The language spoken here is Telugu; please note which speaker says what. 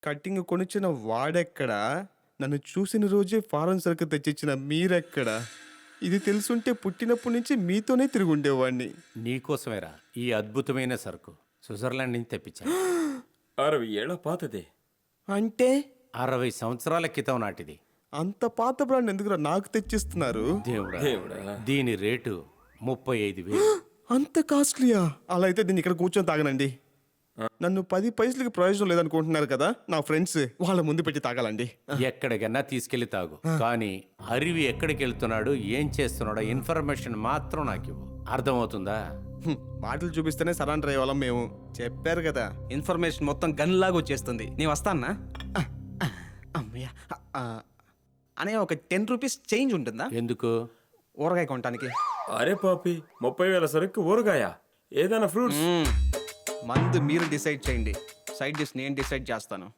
Speaker 1: కటింగ్ కొనిచ్చిన వాడెక్కడా? నన్ను చూసిన రోజే ఫారెన్ సరుకు తెచ్చిచ్చిన మీరెక్కడా? ఇది తెలుసుంటే పుట్టినప్పటి నుంచి మీతోనే తిరిగి ఉండేవాడిని.
Speaker 2: నీకోసమేరా ఈ అద్భుతమైన సరుకు స్విట్జర్లాండ్ నుంచి తెప్పించాను.
Speaker 3: 60 ఏళ్ల పాతదే.
Speaker 1: అంటే
Speaker 2: 60 సంవత్సరాల క్రితం నాటిది.
Speaker 1: అంత పాత బ్రాండ్ ఎందుకురా నాకు తెచ్చిస్తున్నారు?
Speaker 2: దేవుడా, దీని రేటు 35,000.
Speaker 1: అంత కాస్ట్లీయా? అలా అయితే దీన్ని ఇక్కడ కూర్చొని తాగనండి. నన్ను 10 పైసలకి ప్రయోజనం లేదనుకుంటున్నారు కదా నా ఫ్రెండ్స్, వాళ్ళ ముందు పెట్టి తాగాలండి.
Speaker 2: ఎక్కడికన్నా తీసుకెళ్లి తాగు, కానీ అరివి ఎక్కడికి వెళ్తున్నాడు, ఏం చేస్తున్నాడో ఇన్ఫర్మేషన్ మాత్రం నాకు ఇవ్వు. అర్థమవుతుందా?
Speaker 1: మాటలు చూపిస్తేనే సరెండర్ అయ్యేవాళ్ళం మేము. చెప్పారు కదా.
Speaker 4: ఇన్ఫర్మేషన్ మొత్తం గన్ లాగా వచ్చేస్తుంది. నీ వస్తానా? అమ్మయ్య. అనే ఒక 10 రూపీస్ చేంజ్ ఉంటుందా?
Speaker 2: ఎందుకు?
Speaker 4: ఊరగాయ కొనటానికి.
Speaker 3: అరే పాపి, 30,000 సరుకు ఊరగాయ? ఏదైనా ఫ్రూట్స్?
Speaker 4: మందు మీరు డిసైడ్ చేయండి, సైడ్ డిష్ నేను డిసైడ్ చేస్తాను.